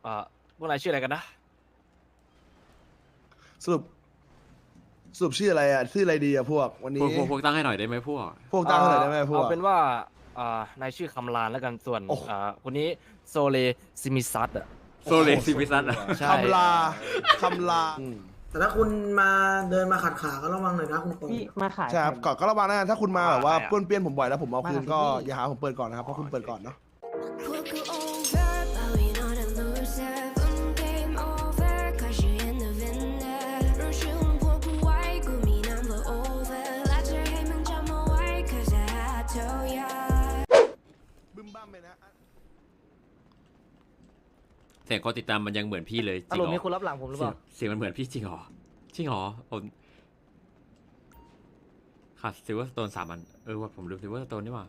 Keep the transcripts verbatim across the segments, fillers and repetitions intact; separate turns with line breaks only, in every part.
อ่าพวกนายชื่ออะไรกันนะ
สรุปสรุปชื่ออะไรอ่ะชื่ออะไรดีอ่ะพวกวัน
พว
นี้
กพวกพวกตั้งให้หน่อยได้ไหมพวก
พวกตั้งเท่าไหร่ได้ไหมพวก
เอาเป็นว่าอ่านายชื่อคำลานแล้วกันส่วน
โอ้
อ่าคนนี้โซเลซิมิซัตอ่ะ
โซเลซิมิซัสอะ
ใช่
คำลาคำลา
แต่ถ้าคุณมาเดินมาขัดขาก็ระวังหน่อยนะคุณตรง
พี่มาขาย
ใช่ครับก่อนก็ระวังนะถ้าคุณมาแบบว่า
อะไรอะ
ป้วนเปี้ยนผมบ่อยแล้วผมเอาคืนก็
มากับพี่
อย่าหาผมเปิดก่อนนะครับเพราะคุณเปิดก่อนเนาะ
Put you over, but we know the loser. Boom, game over, 'cause you're in the winner. 让虚荣破不坏，故迷 number over. 拉着黑门这么歪 'cause I had to ya.
บึ้มบ้ามไปนะ
เสียงคนติดตามมันยังเหมือนพี่เลยจ
อาร
ริ
ม
ง
ณ์
เหร
มี
อ
คนรับหลังผมหรือเป
เสียง
ล่า
เสียงมันเหมือนพี่จริงเหรอจริงเหรอผมขาดซิลเวอร์สโตนสามอันเออว่าผมลืมซิลเวอร์สโตนนี่หว่า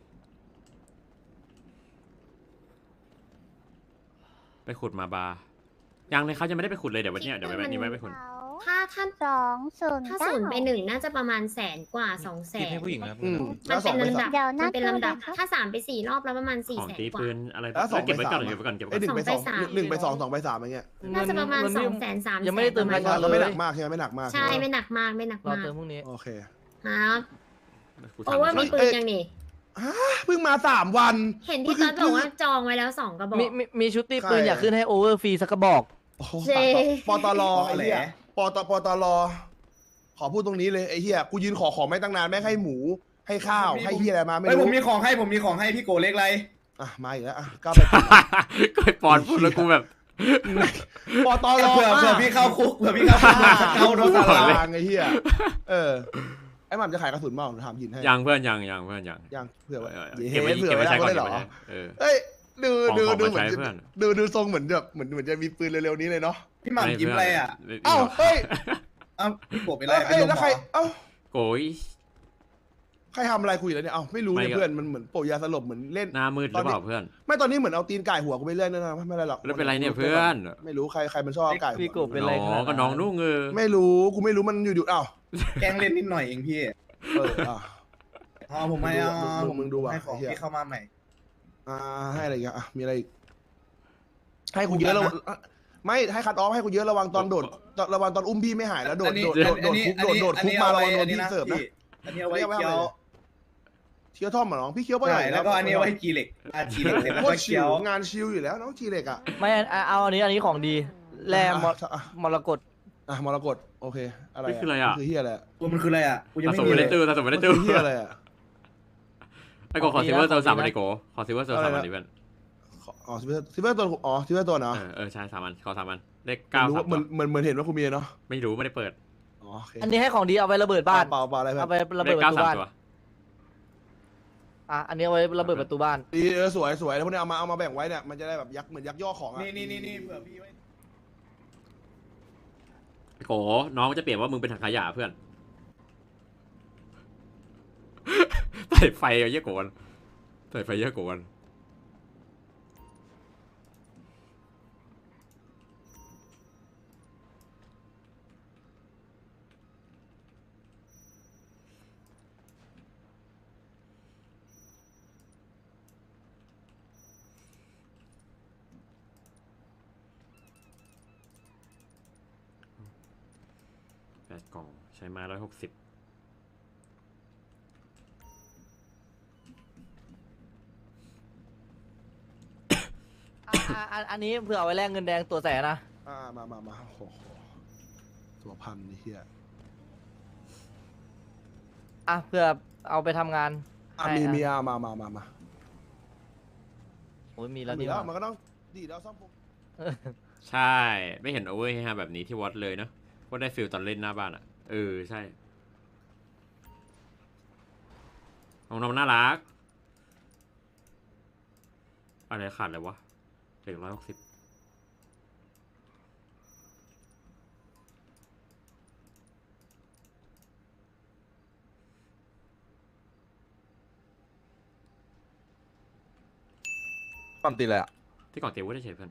ไปขุดมาบาร์ยังเลยเขายังไม่ได้ไปขุดเลยเดี๋ยววันเนี้ยเดี๋ยววันนี้ไว้ไปขุด
ถ้าท่านสองศูนย์
ถ้าศูนย์ไปหนึ่งน่าจะประมาณแสนกว่าสองแสน
ให้ผู้หญิงนะครับ
อืม
มั
แล้ว
น
สอ
เป็
ง
น
ไป
ลำดั
สา
บ
ม
เดี๋ยว
มั
นะ
นเป็นลำดับ ถ้าสามไปสี่รอบแล้วประมาณสี่
ของ
แสน
ตี
กว่า
ปืนอะไร
แล้วสอง
เก็บไว้ก่อน
ไปสาม
เก็บไว้ก่อนเก็บไว้
ไอ้ยห
ก่
นึ่
อน
งไปสอง
สองไปสาม
หนึ่งไปสองสองไปสามอย่างเงี้ย
น่าจะประมาณ
เงิน
สอ
นี่
งแสนสาม
ยังไม่ได้เติม
แส
ราย
น
การ
ก็
เล
ไม่
ย
หนักมากใช่ไหมไม่หนักมาก
ใช่ไม่หนักมากไม่หนัก
รอ
มาก
เติมพรุ่งนี้
โอเค
ครับ
กู
โอ
ถาม
เวอร์มี
ก่อน
ปืนยังนี่
เพิ่งมาสามวัน
เห็นที่ตอนบอกว่าจองไว้แล้วสองกระบอก
มีมีมีชุดตีปืน
ใคร
อยากขึ้นให้โอเวอร์ฟรีสักกระบอก
โอ้โห
เจ๊
ปตลไอ้เหี้ยปตปตลขอพูดตรงนี้เลยไอ้เหี้ยกูยืนขอของไม่ตั้งนานแม่งให้หมูให้ข้าวให้เหี้ยอะไรมาไม่
เฮ้ยผ
รู้
มมีของให้ผมมีของให้พี่โกเล็กไร
อ่ะมาอีกแล้วอ่ะก็ไป
ก็ไอ้ปอนพูดแล้วกูแบบ
ปตล
เผื่อเผื่อพี่เข้าคุกเผื่อพี่เข้าคุกมาเข้าโดน
ตา
ตลาด
รางไอ้เหี้ยเออไอ้หม่ำจะขายกระสุนบ้างถามยินให้
ยังเพื่อนยังยังเพื่อนยัง
ยังเผื่อไว้
เออ
เห็
เก็บ
น
ไว้
เผื่อ
เก็บ
ไว้
ไว้
ได้
ใช้ก่อน
ได้
เก็บ
เหร
ไว้
อ
ใช้เออ
เอ้ยดูดู
ของ
ดู
ของ
ดูเหมือน
มาใช้
จะ
เพื่อน
ดูดูทรงเหมือนแบบเหมือนเหมือนจะมีปืนเร็วๆนี้เลยเนาะ
พี่หม่ำยิ้มอะไรอ่ะ
เอ้าเฮ้ย
เอ้าพี่โกเป็นไร
เอ้ย
เป็นลม
แล้ว
เห
ใค
ร
ร
อ
เอ้า
โกย
ใครทำอะไรคุยแล้วเนี่ยเอ้าไม่รู้เนี่ย
ไม่ก็
เพื่อนมันเหมือนโปะยาสลบเหมือนเล่น
หน้ามืดหรือเปล่าเพื่อน
ไม่ตอนนี้เหมือนเอาตีนไก่หัวกูไปเรื่อยนะไม่เป็นไรหรอก
แล้วเป็นไรเนี่ยเพื่อน
ไม่รู้ใครใครมันชอบเอาไก่หัว
พี่กบเป็นไรข
น้
นา
อ
ด
งก็น้องนุ่งเออ
ไม่รู้กูไม่รู้มันอยู่ๆอ้าว
แกล้งเล่นนิดหน่อยเองพี่
เอออ่ะ
อ๋อผมไม่เอา
มึงมึงมึงดูว่ะ
ให้ของ
เหี้ย
พี่เข้ามาใหม่
อ่าให้อะไรอีกอ่ะมีอะไรอีกให้กูเยอะแล้วไม่ให้คัดออฟให้กูเยอะระวังตอนโดดระวังตอนอุ้มพี่ไม่หายแล้วโดด
อันนี้
โดดโดดโดดคุกโดดโดดคุกมาระวังโดนพี่เสิร์ฟนะ
อันนี้เอาไว้เคี้ยว
เคี้ยวท่อมเหรอน้องพี่เคี้ยวไปไห
ใช่
น
แล้วก็อันนี้เอาไว้จีเหล็กอ่ะจีเหล็กเสร็จแล้ว
โค
ก็
ตรชิ
เคี้ยว ว
งานชิลอยู่แล้วน้องจีเล็กอ่ะ
ไม่เอาเอาอันนี้อันนี้ของดีแร่มร
อ่ะ
มรกต
อ่ะมรกตโอเคอะไร
นี่คืออะไรอ่ะ
คือเฮียอะไร
ตัวมันคืออะไรอ่ะกูยัง
ผ
ไม่
สม
มี
ไม่
เล
ได้
ย
ตู้ผสมไม่ได้
มัน
ตู้
คือเฮียอะไรอ่ะ
ไอ้โกขอซิลเวอร์โซนสามอันดิโกขอซิลเวอร์โซนสามอันดิเพื่อน
อ๋อซิเวอร์ซิเวอร์ตัวอ๋อซิเวอร์ตัวเนาะ
เออเออใช่สามอันขอสามอันเลขเก้า
รู้
สา
ว่าม เหมือนเหมือนเหมือนเห็นว่าคุณมีเนาะ
ไม่รู้ไม่ได้เปิด
อ๋อโอเค
อันนี้ให้ของดีเอาไว้ระเบิดบ้าน
เปล่าเปล่าอะไรเพื่อ
เอา
น
ไประ
เล
เบิด
ข
ป
เก้า
ระตู
สาม
บ้าน
ตัว
อ่ะอันนี้เอาไว้ระเบิดประตูบ้าน
ดีเออสวยสวยแล้วพวกนี้เอามาเอามาแบ่งไว้เนี่ยมันจะได้แบบยักเหมือนยักย่อของอ่ะ
นี่นี่นี่นี่เผื่อพี่ไว้
ไอ้โกน้องจะเปลี่ยนว่ามึงเป็นถังขยะเพื่อนใส่ไฟเยอะโกนใส่ไฟเยอะโกน แปดกล่องใช้มาร้อยหกสิบ
อ่ะอ่ะอันนี้เผื่อเอาไว้แลกเงินแดงตัวแสนนะ
อ่ามามามาโอ้โหตัวพันนี่เฮีย
อ่ะเผื่อเอาไปทำงาน
อ่ะ
ให้
มี
อ่ะ
มีอ่ะมามามามา
โอ้ยมีแล้ว
มี
นี่
แล้ว
หว่า
มันก็ต้องดีแล้วซ่อมพวก
ใช่ ไม่เห็นโอเวอร์ให้ฮาแบบนี้ที่วัดเลยเนาะว่าได้ฟิลตอนเล่นหน้าบ้านอ่ะ เออ ใช่น้องน้องน่ารัก อะไรขาดเลยวะเด็กร้อยหกสิบ
ปั๊มตีเลยอ่ะ
ที่ก่อนเตียวว่าได้เฉยเพื่อน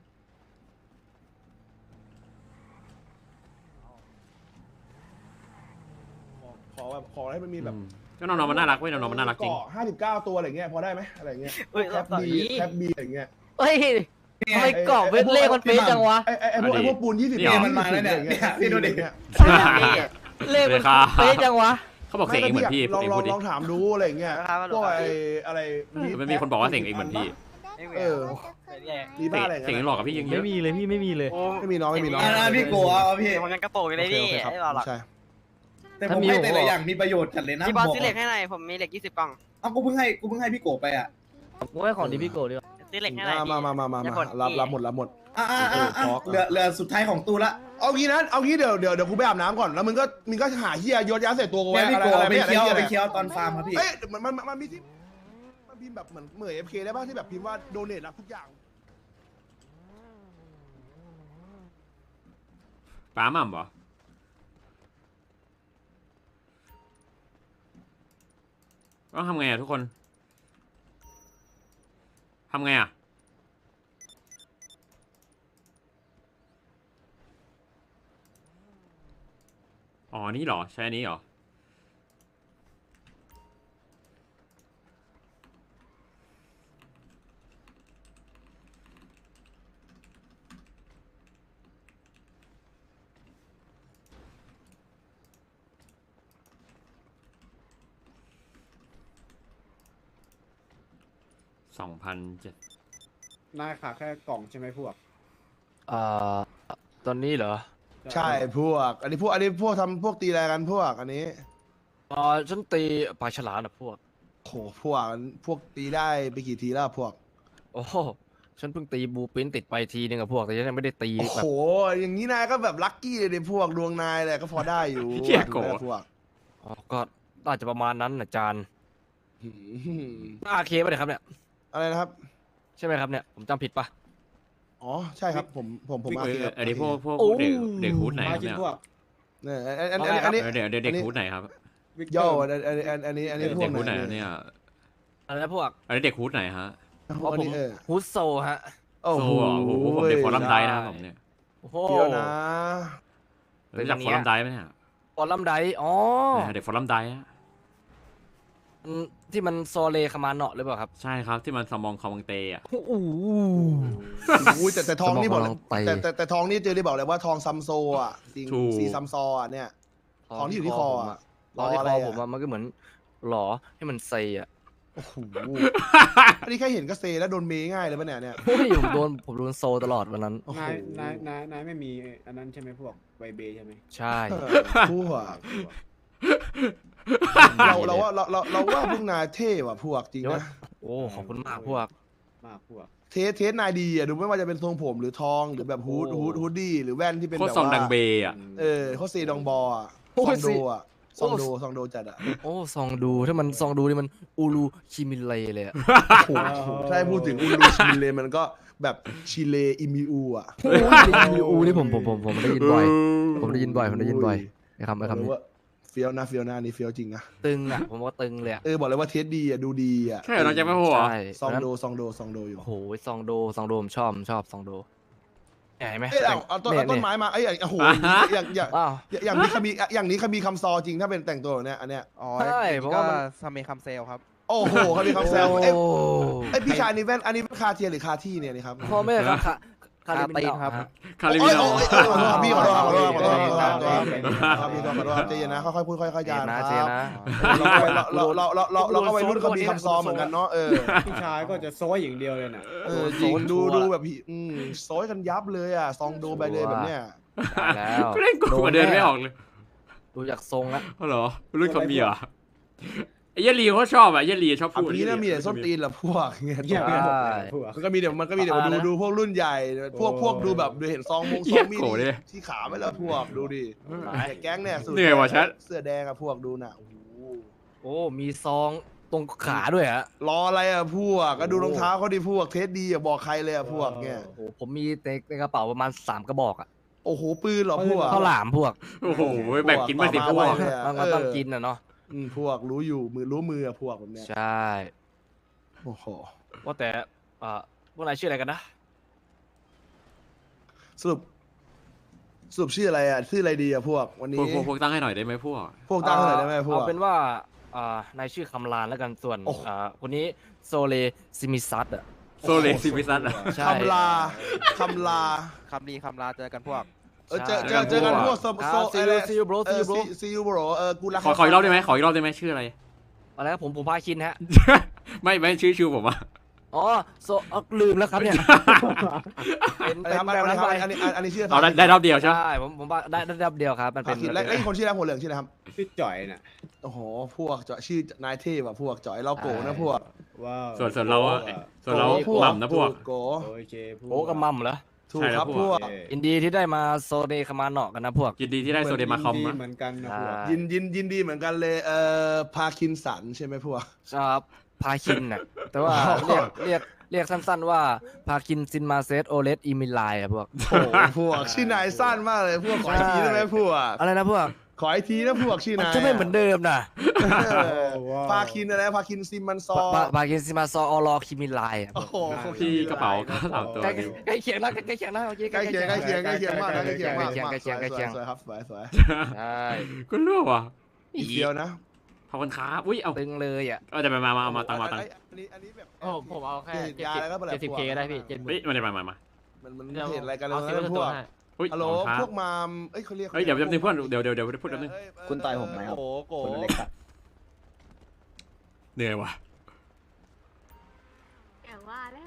ขอขอแบบขอให้มันมีแบบ
อืมก็น้องๆมันน่ารักเว้ยน้องๆมันน่ารักจริง
ห้าสิบเก้าตัวอะไรเงี้ยพอได้ไหมอะไรเงี้ย
เฮ้ย
แคป
ต่อ
บี
อี
แคปบีอะไรเงี้ย
เฮ้ยทำไมกรอบเวทเลขมันเป๊ะจังวะ
ไอ้ไอ้ไอ้พวกไอ้พวกปูนยี่สิบ
นี่เหรอ
มันมาแล้วเนี่ยเนี่ยพี่ดูดิ
เลขมันเป๊ะจังวะ
เขาบอกเสียงเองเหมือนพี่
ล
พู
อ
ด
ง
เอง
ลอ
พู
ง
ดดิ
ลองถามดูอะไรอย่างเงี้ยพวกไอ้อะไร
มันมีคนบอกว่าเสียงเองเหมือนพี่
เออมีบ้าอะไร
เสียง
เงี้ย
หลอกกับพี่ยังเย
ไม่
อะ
มีเลยพี่ไม่มีเลย
ไม่มีน้องไม่มีน้อง
อ่าพี่โกะเอาพี่
ผมยังกระโปรงอยู่เลยพี่
โอเคครับ
ไอ้หล่อหลัก
ใช่
แต่ผมให้แต่ละอย่างมีประโยชน์จัดเลยนะ
พี่บอสซื้อเหล็กให้หน่อยผมมีเหล็กยี่สิบกล่อง
เอ้ากูเพิ่งให้กูเพิ่งให้พี่โกะไปอ่ะ
กูให้ของดีพี่โกดีกว่า
ซื้อเหล็กให้หน่อย
มามามามามารับรับหมดรับหมด
อ่าอ่าอ่าอ่าเหลือเหลือสุดท้ายของตูละ
เอางี้นะเอางี้เดี๋ยวเดี๋ยวเดี๋ยวกูไปอาบน้ำก่อนแล้วมึงก็มึงก็หาเฮียโยนยาใส่ตัวกู
เนี่
ไว้
ยพี่
อะไร
โกะ
อะไร
ไป
ไม่อะไร
เคี้ยว
เฮีย
ไป
อะไร
เคี้ยวตอนฟาร์มครับพี่
เอ้ยมันมันมันมีที่มันพิมพ์แบบเหมือนเหมือนเอฟเคได้ป่ะที่แบบพิมพ์ว่าโดเนทรับทุกอย่าง
ป้าหม่ำเหรอต้องทำไงอะทุกคนทำไงอะอ๋อนี่เหรอใช้อันนี้เหรอสองพันเจ็ด
นายขาแค่กล่องใช่ไหมพวก
อ่าตอนนี้เหรอ
ใช่พวก อันนี้พวกอันนี้พวกทำพวกตีอะไรกันพวกอันนี้
อ่าฉันตีปลาฉลามนะพวก
โหพวกพวกตีได้ไปกี่ทีแล้วพวก
โอ้โหฉันเพิ่งตีบูปินติดไปทีนึงอะพวกแต่ฉันยังไม่ได้ตี
โอ้
แบ
โห
บ
อย่างนี้นายก็แบบลัคกี้เลยดิพวกดวงนายแหละก็พอได้อยู่
เหี้ยโก
พวก
อ๋อก็น่าจะประมาณนั้นนะจาน
หืม
อาเคป่ะเนี่ยครับเนี่ย
อะไรนะครับ
ใช่ไหมครับเนี่ยผมจำผิดปะ
อ๋อใช่ครับผมผมผม
เอ
อา
อ
เคครับ
อันนี้พวกพวก
โอ้
เด็กเด็กฮูดไหนครับ
มากิน
เนี่ย
พวก
เนี่ยอันอันอันอันนี้
เออเดี๋ยวเดี๋ยวเด็กฮูดไหนครับ
วิกเต
โย่
อร์
อันอันอันอันนี้อันนี้พว
เด็
ก
กฮูดไหน
ไหน
เนี่ย
อะไรนะพวก
อันนี้เด็กฮูดไหนฮะ
อ๋อ
อัน
ผม
นี้เออ
ฮูดโซฮะ
โอ้
โอ้
โห
โหโอ้โหผมเด็กฟอรัมไดนะครับผมเนี่ย
โอ้โห
เดี๋ยวนะ
รู้จักฟอรัมไดไหมเนี่ย
ฟอลัมไดอ๋อ
เด็กฟอรัมไดอะ
อืมที่มันโซเลคามาเนาะหรือเปล่าครับ
ใช่ครับที่มันสมองคอมังเตอะ
โอ้โห
อุ้ยแต่แต่ทองนี่บอกเลย
สมองไป
แต่แต่แต่ทองนี่เจอได้บอกเลยว่าทองซัมโซอ่ะจริงสีซัมซออ่ะเนี่ย ทองที่อยู่ที่คออะ
ตอนที่
รอ
ค
อะไร
อ
อะ
ผมอะมันก็เหมือนหลอให้มันเซอะ
โอ้โหอันนี้แค่เห็นก็เซแล้วโดนเมง่ายเลยปะเนี่ยเนี่ย
โอ้ยผมโดนผมโดนโซตลอดวันนั้น
โอ้โห
นายนายนายนายไม่มีอันนั้นใช่ไหมพวกไวเบใช่ไหม
ใช่
เออพวกเราเราว่าเราเราเราว่าพวกนายเท่ว่ะพวกจริงนะ
โอ้ขอบคุณมากพวก
มากพวก
เทสเทสนายดีอ่ะดูไม่ว่าจะเป็นทรงผมหรือทองหรือแบบฮูดฮูดฮูดดี้หรือแว่นที่เป็น
โคต
แบ
ร
บ
ซองดัง
ว่า
เบอะ
เออเขาเซดองบออ่ะ
โอ้
ซอย งโด
สิ
อ่ะซองโดซองโดจัดอ่ะ
โอ้ซองดูถ้ามันซองดูนี่มันอูรูคิมิเลเลยอะ
โอ้โหถ้าให้พูดถึงอูรูชิเลมันก็แบบชิเลอิมิอูอ่ะ
อูนี่ผมผมผมผมได้ยินบ่อย ผมได้ยินบ่อยผมได้ยินบ่อยไอ้คำไอ้
บอก
คำ
เลย
นี้
ว่าเฟี้ยวนะเฟี้ยวนะอันนี่เฟี้ยวจริงนะ
ตึงอ่ะผมว่าตึงเลยอะ
เออบอกเลยว่าเทสดีอ่ะดูดีอ่ะ
ใช่เหรอน้องแจ็คไม่พูดเหรอ
ใช่
ซอง
นั้น
โดซองโดซองโดอยู่
โอ้โหซองโดซองโดผมชอบผมชอบซองโดใหญ่ไหม
เอ้ยเอาเอาต้นเอาต้นไม้มาเอ้ยอย่างโอ้โหอย่างอย่าง
อ้าว
อย่างนี้เขามีอย่างนี้เขามีคำซอจริงถ้าเป็นแต่งตัวแบบเนี้ยอันเนี้ย
อ๋อ
ใช่เพราะว่ามัน
ซาเมคำเซลครับ
โอ้โหเขามีคำแซวเอ้ย
โอ้
เอ้ยพี่ชายนี่แว่นอันนี้คาเทียหรือคาที่เนี่ยนี่ครับ
พ่อแม่ครับคาคา
คาตี
ตี
น
น
ครับ
คาริ
โอ้
มิ
ย
โน
โอ้ยโอ้ยขอโทษครับพี่ขอโทษครับขอโทษขอโทษขอโทษขอโทษ
ครับ
ครับพี่ขอโทษครับใจเย็นนะค่อยๆพูดค่อยๆจา
เจ
น
นะ
ค
เจ
รับ
นะ
เราเราเราเราเราก็วัยรุ่นเขามีคำซอเหมือนกันเนาะเออ
พี่ชายก็จะโซ่อย่างเดียวเลยน่ะ
เออจริงดูดูแบบพี่อืมโซยกันยับเลยอ่ะซองโดไปเลยแบบเนี้ย
ตายแล้ว
ก็เล่นกูมาเดินไม่ออกเลย
ดูจากทรงแล้ว
อ๋อเหรอรุ่นเขามีเหรอไอ้เยลีเขาชอบอ่ะเยลีชอบ
อัน
พูด
นี้น่ามีแต่ส้นตีนแหละพวกเงี้ย
เงียบไปหมดเลยพวก
มันก็มีเดี๋ยวมันก็มีเดี๋ยวดูดูพวกรุ่นใหญ่ พวกพวกดูแบบดูเห็นซองมงซองมีดที่ขาไปแล้วพวกดูดิแต่แก๊งเนี่ยสุด
เหนื่อยว่ะชัด
เสื้อแดงอะพวกดูน่ะโอ้โห
โอ้มีซองตรงขาด้วยฮะ
รออะไรอะพวกก็ดูรองเท้าเขาดิพวกเทสดีอะบอกใครเลยอะพวกเนี่ย
โอ้โหผมมีในในกระเป๋าประมาณสามกระบอกอะ
โอ้โหปืนเหรอพวก
ข้าวหลามพวก
โอ้โหแบ่งกินมาสิพวก
มันก็ต้องกินนะเนาะ
อืมพวกรู้อยู่มือรู้มืออะพวกแบบเนี้ย
ใช่
โอ้โห
ว่าแต่อ่าพวกนายชื่ออะไรกันนะ
สรุปสรุปชื่ออะไรอะชื่ออะไรดีอะพวกวัน
พ
นี้
วกพวกพวกตั้งให้หน่อยได้ไหมพวก
พวกตั้งเท่าไหร่ได้ไหมพวก
เอาเป็นว่าอ่านายชื่อคำลานแล้วกันส่วน
โอ้โห
อ่าคนนี้โซเลซิมิซัตอะ
โซเลซิฟิซัสอะ
ใช่
คำลาคำลา
คำดีคำลาเจอกันพวก
เออเจอเจอเจอกันพวกโซโซ
ซีอูซีอูโบรซีอูโบร
ซีอูโบรเออกูรัก
ขอขออีกรอบได้ไหมขออีกรอบได้ไหมชื่ออะไร
อะไรครับผมผมพาคินฮะ
ไม่ไม่ชื่อชื่อผมอะ
อ๋อโซเอาลืมแล้วครับเนี่ยเป็น
อะไร
เป็น
ครับ
แบบนั้นไป
อันนี้อันนี้อันนี้ชื่อ
เอาได้ได้รอบเดียวใช่ไหม
ใช่ผมผมว่าได้ได้รอบเดียวครับมันเป็น
คิดแล้วไอ้คนชื่ออะไรหัวเหลืองชื่ออะไรครับ
พี่จ่อยน่ะ
โอ้โหพวกเจาะชื่อนายเทพอะพวกเจาะไอ้เราโกนะพวก
ว้าว
ส่วนส่วนเราอะส่วนเรา
โกพวก
หม่ำนะพวก
โก
โอเคพว
โอ้กับมัมเหรอ
ถูกครับ
ใช่แล้วพ
พ
ว
ว
ก
ก
อินดีที่ได้มาโซเนคามาเนาะกันนะพวก
ยินดีที่ได้โซเดมาคอม
ดี
นะ
เหมือนกันนะพวก
ใช่
ยินยินยินดีเหมือนกันเลยเอ่อพาคินสันใช่ไหมพวก
ครับพาคินน่ะแต่ว่าเรียกเรียกเรียกสั้นๆว่าพาคินซินมาเซตโอเลสอีมิลไลอะพวก
โอ้โหพวกชื่อนายสั้นมากเลยพวกขออีกทีได้ไหมพวก
อะไรนะพวก
ขออีกทีนะพวกชื่อ
มัน
นาย
จะไม่เหมือนเดิมนะ
เออพาคินอะไรพาคินซิมมันซอ
พาพาคินซินมาซออลอคิมิลไลอะ
โอ้โห
พี่กระเป๋าก็สามตัว
ใกล้
ดิ
ใกล้เคียงนะใกล้เคียงนะโอเค
ใกล้เคียงใกล้เคียงใกล้เคียงมากนะใกล้เคียงมาก
ใกล้เคียงใกล้เคียง
สวยๆครับสวยสวย
ใช่
ก็รู้ว่ะ
อีกเดียวนะ
ขอบคุณครับอุ้ยเอา
ตึงเลยอ่ะ
เอาแต่มามามาเอามาตังมาตัง
อันนี้อันนี้แบบ
โอ้ผมเอาแค่
ยาแล้วก็แบบ
เจ็ดสิบเคก็ได้พี่เจ็ดหมื่
เฮ้ย
น
มาเดี๋ยวมามามา
มันมันเห็นอะไรกันเล
เอา
ย
ซิลเวอร์
พ
ตัว
วก
ให้
อุ้ย
ฮัลโหล
ขอบคุณครับ
พวกมามเอ้ยเขาเรียก
เฮ้ยเดี๋ยวเดี๋ยวเพื่อนเดี๋ยวเดี๋ยวเดี๋ยวพูดแป๊บนึง
คุณต่อยผมไหมครับ
โกโก
คนเล็กอะ
เหนื่อยว่ะ
อย่างว่าแล้ว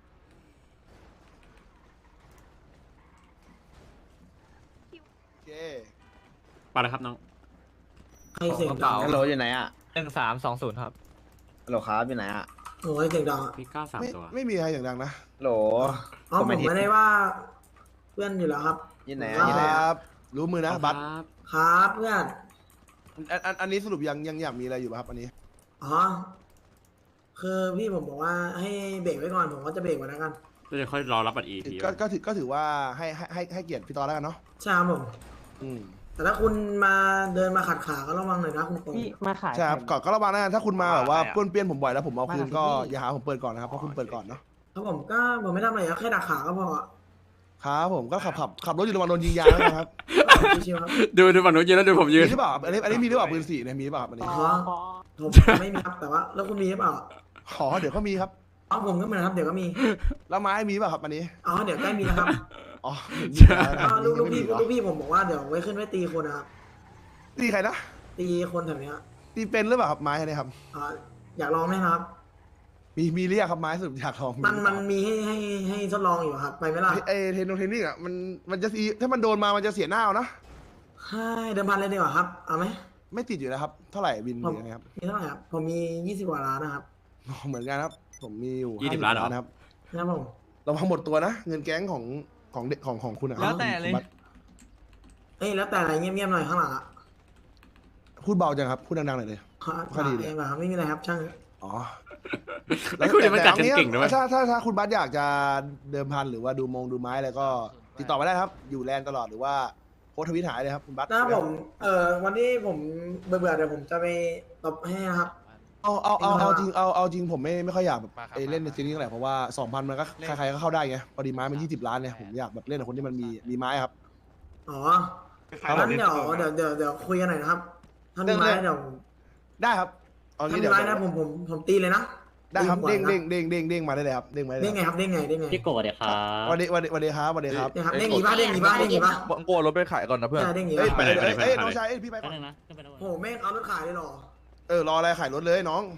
โอเค
ไปแล้วครับน้อง
ใครเสียงดัง
ฮัลโหลอยู่ไหนอะ
หนึ่งสามสองศูนย์ครับ
ฮัลโหลครับอยู่ไหนอะ
โอ้ยเสียงดังอะ
พี่เก้าสาม
ไม่
ตัว
ไม่มีใครอย่างดังนะ
ฮัลโหล
อ๋อผมไม่ได้ว่าเพื่อนอยู่แล้วครับ
อยู่ไหน
ค
อะอยู่ไหน
รั
อะ
บ รู้มือนะบัตร
ครับ
ครับเพื่อน
อันอันอันนี้สรุปยังยังอยากมีอะไรอยู่ป่ะครับอันนี้
อ๋อคือพี่ผมบอกว่าให้เบรกไว้ก่อนผมก็จะเบรกไว้แล้วกัน
แล้วเดี๋ยวค่อยรอรับบัตรอีกที
ก็ก็ถือก็ถือว่าให้ให้ให้ให้เกียรติพี่ตอนแล้วกันเนาะ
ใช่ครับผม
อืม
แต่ถ้าคุณมาเดินมาขัดขาก็ระวังหน่อยนะคุณโต
มาขาย
ใช่ครับก่อนก็ระวังนะถ้าคุณมาแบบว่าป้วนเปี้ยนผมบ่อยแล้วผมเอาคืนก็อย่าหาผมเปิดก่อนนะครับเพราะคุณเปิดก่อนเนาะ
ครับผมก็ผมไม่ทำอะไรครับแค่ดักขาก็พอ
ครับผมก็ขับขับขับรถอยู่ระหว่างโดนยิงยางนะครับ
ชิวๆครับ
ดูดูฝั่งนู้นยืนแล้วดูผมยื
มี
น
หรือเปล่าอันนี้อันนี้มีหรือเปล่าปืนสี่เนี่ยมีหรือเปล่าครับอันนี้
อ๋อผมไม่มีครับแต่ว่าแล้วคุณมีหรือเปล่า
ขอเดี๋ยวก็มีครับ
อ๋อผมก็เหมือนครับเดี๋ยวก็มี
แล้วไม้มีหรือเปล่าครับอันนี้
อ๋อเดี๋ยวใกล้มีนะครับ
อ๋อ
อ๋อลูกลูกพี่ลูกพี่ผมบอกว่าเดี๋ยวไว้ขึ้นไว้ตีคนนะครับ
ตีใครนะ
ตีคนแถวเนี้ย
ตีเป็นหรือเปล่าครับไม้เนี่ยครับ
อ๋ออยากลองไหมครับ
มีมีเรียกครับไม้สรุปอยากลอง
มันมันมีให้ให้ให้ทดลองอยู่ครับ ไปไหมล่ะ
ไอเทนโนเทนนิ่งอ่ะมันมันจะถ้ามันโดนมามันจะเสียหน้าเอานะ
ให้เดิมพันเลยดีกว่าครับ เอาไหม
ไม่ติดอยู่แล้วครับเท่าไหร่บิน
ผม
หรือไงครับ
มีเท่าไหร่ครับ ผมมียี่สิบกว่าล้านนะครับ
อ๋อเหมือนกันครับ ผมมีอยู่
ยี่สิบล้านเหรอ
ครับ
นะครับผม
เราพังหมดตัวนะ เงินแก๊งของของเด็กของของคุณอะ
แล้วแต่เลย
คุณบัตร
เอ้ยแล้วแต่อะไรเงียบๆหน่อยข้างหลังอ่ะ
พูดเบาจังครับพูดดังๆหน่อยเลย คดีเลย
เองแบบไม่มีอะไรครับช่าง
อ๋อ
ไอ้คุณเนี่ยมันกัดกัน
แต่
เก่งนะเว้ย
ถ้าถ้าถ้าคุณบัตรอยากจะเดิมพันหรือว่าดูมงดูไม้อะไรก็ติดต่อมาได้ครับ อยู่แลนด์ตลอดหรือว่าโพสต์ทวิตหายเลยครับคุณบัตร
นะผมเอ่อวันที่ผมเบื่อๆเดี๋ยวผมจะไปตบให้นะครับ
เอาเอาเอาเอาจริงเอาเอาจริงผมไม่ไม่ค่อยอยากแบบไปเล่นในซีรีส์เท่าไหร่เพราะว่าสองพันมันก็ใครๆก็เข้าได้ไงพอดีไม้มันยี่สิบล้านเนี่ยผมอยากแบบเล่นกับคนที่มันมีมีไม้ครับ
อ๋อ
ครับ
งั้นเดี๋ยวเดี๋ยวเดี๋ยวเดี๋ยวคุยกันหน่อยนะครับถ้ามีไม้เดี๋ยว
ได้ครับเอา
ถ้า
งี้
มี
เดี๋ยว
ไม้นะผมผมผมตีเลยนะ
ได้ครับ
ตี
เด้ง
หัว
เด้ง
นะ
เด้งเด้งเด้งมาได้เลยครับเด้งมาได้เล
เด้
ย
งไงครับเด้งไงเด้งไง
พี่โกรธเลยครับ
วันนี้วันนี้วันนี้ครับวันนี้ครับ
เนี่ยครับเด้งหนีบ้าเด้งหนีบ้าเด้งหนีบ้า
บังโกรถไปขายก่อนนะเพื่อน
ใช่เด้งหนี
เอ้ย
บ้า
ไปเลยเอ้ยน้องชายเอ้ยพี่ไปก่อน
โอ้โหแม่งเอารถขายเลยเหรอ
เออรออะไรขายรถเลยน้อง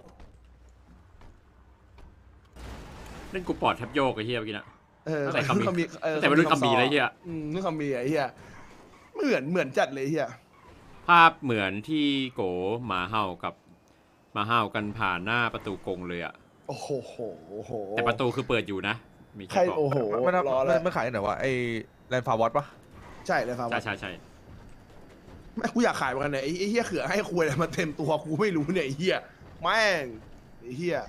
เล่นกูปอดแทบโยกไอ้เหี้ยเมื่อกี้นะ
เออ
ตั้งแต่คำมี
มีเออ
ตั้งแต่วัยรุ่นคำมีเลยเหี้ย
อืมนึกคำมีไอ้เหี้ยเหมือนเหมือนจัดเลยเหี้ย
ภาพเหมือนที่โกหมาเห่ากับหมาเห่ากันผ่านหน้าประตูกรงเลยอะ
โอ้โหโอ้โห
แต่ประตูคือเปิดอยู่นะ มี
ใคร
แค่บอก
โอ้โห
มัน
รอแล้ว
ไม่ขายไหนวะไอแลนด์ฟาวอตปะ
ใช่เลยครับ
ใช่ใช่ใช่
แม่กูอยากขายเหมือนกันเนี่ยไอ้ไอ้เหี้ยเขือให้คุยอะไรมาเต็มตัวกูไม่รู้เนี่ยไอ้เหี้ยแม่งไอ้เหี้ย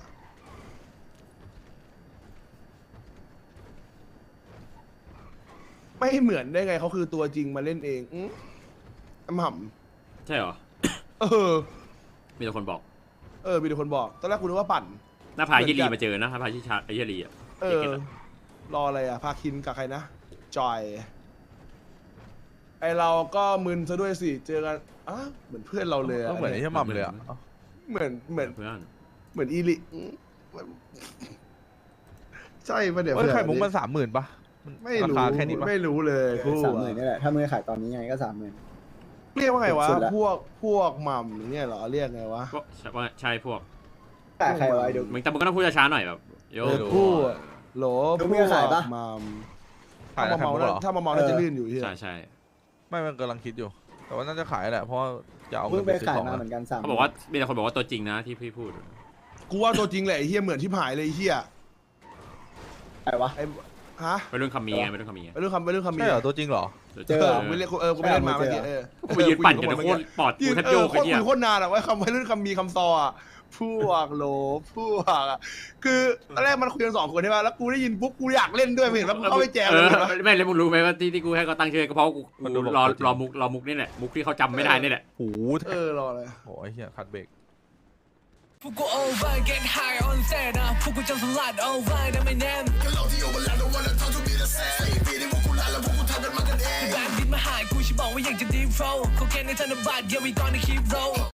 ไม่เหมือนได้ไงเขาคือตัวจริงมาเล่นเองอืมอำหำ
ใช่เหรอ
เออ
มีแต่คนบอก
เออมีแต่คนบอกตอนแรกกูนึกว่าปั่น
หน้าพายยี่ลีมาเจอนะหน้าพายที่ชาไอ้ยี่ลีอะ
เอ
เด็ก
อ
เก็ตอะ
รออะไรอ่ะ พาคินกับใครนะ จอย ไอเราก็มึนซะด้วยสิ เจอกันอ่ะเหมือนเพื่อนเราเลยอะ
ก็เหมือนไอ้เหี้ยหม่ำเลยอ่ะ
เหมือนเหมือน
เพื่อน
เหมือนอีลิอืมใช่ปะเดี๋ยว
เอ้ย
เผื่อ
ไข่มุกมันสามหมื่นปะน
ไม่
รา
รู้
คาแค่นี้ปะ
ไม่รู้เลยคู่
สามหมื่นนี่แหละถ้ามือขายตอนนี้ยังไงก็สามหมื่น
เรียกว่าไงวะ
สุดละ
พวกพวกหม่ำเนี่ยเหรอเรียกไงวะ
พวกว่าใช่พวก
แต่ใครไว้เดี๋ยว
มึงแต่มึงก็ต้องพูดช้าๆหน่อยแบบโย
เออคู่อะโหล
ดู
พ
มี
วก
ขายปะ
หม่ำ
ขาย
ถ้า
ไข่
มา
มุ
เมาก
เหรอ
ถ้ามาเมาน่าจะลื่นอยู่ที่
ใช่ใช่
ไม่มันกำลังคิดอยู่ แต่ว่าน่าจะขายแหละเพราะว่าจะเอา
เพิ่
เงิ
ง
น
ไป
ไปซื้อ
ขาย
ของ
มา
อะ
เหมือนกันสาม
เขาบอกว่ามีแต่คนบอกว่าตัวจริงนะที่พี่พูด
กูว่าตัวจริงแหละไอ้เฮียเหมือนที่ผายเลยไอ้เฮีย
ใครวะ
ไอ้ฮะ
ไปรุ่นคำมีไงไปรุ่นคำมีไง
ไปเรื่องคำไปเรื่องคำมี
ใช่เหรอตัวจริงเหรอ
เจอ
เออไม่เรียกเออกูไม่เล่นมาเมื่อกี้เออ
กูไปยืนปั่นกันโคตรปอด
ยื
กู
น
แทบ
เอ
โย
อก โค
ไอ้
ตร
เหี้ย
คุยโคตรนานอะว่าคำไปเรื่องคำมีคำซออะพวกโหลพวกอะคือตอนแรกมันคุยกันสองคนใช่ป่ะแล้วกูได้ยินปุ๊บกูอยากเล่นด้วยไม่เห็นแล้วกูเข้าไปแจม
เอ
เลย
อ
เห็นปะ
ไม่แล้วมึงรู้ไหมว่าที่ที่กูให้เขาตั้งชื่อก็เพราะกู
มัน
กู
ดูแบบ
รอ
ตัวจริง
รอมุกรอมุกนี่แหละมุกที่เขาจำไม่ได้นี่แหละ
โอ้โห
เออรอเลย
โอ้ยเฮียคัดเบรก
พวกกู over get high on set นะพวกกูจำสลัด over ได้ไม่แน่นก็เราที่ over แล้ว don't wanna talk to me the same ปีนี้พวกกูลาแล้วพวกกูทำกันมากันเองแบงค์ดินมาหายกูชิบอกว่าอยากจะ deep flow เขาแค่ในธนบัตร yeah we gonna keep roll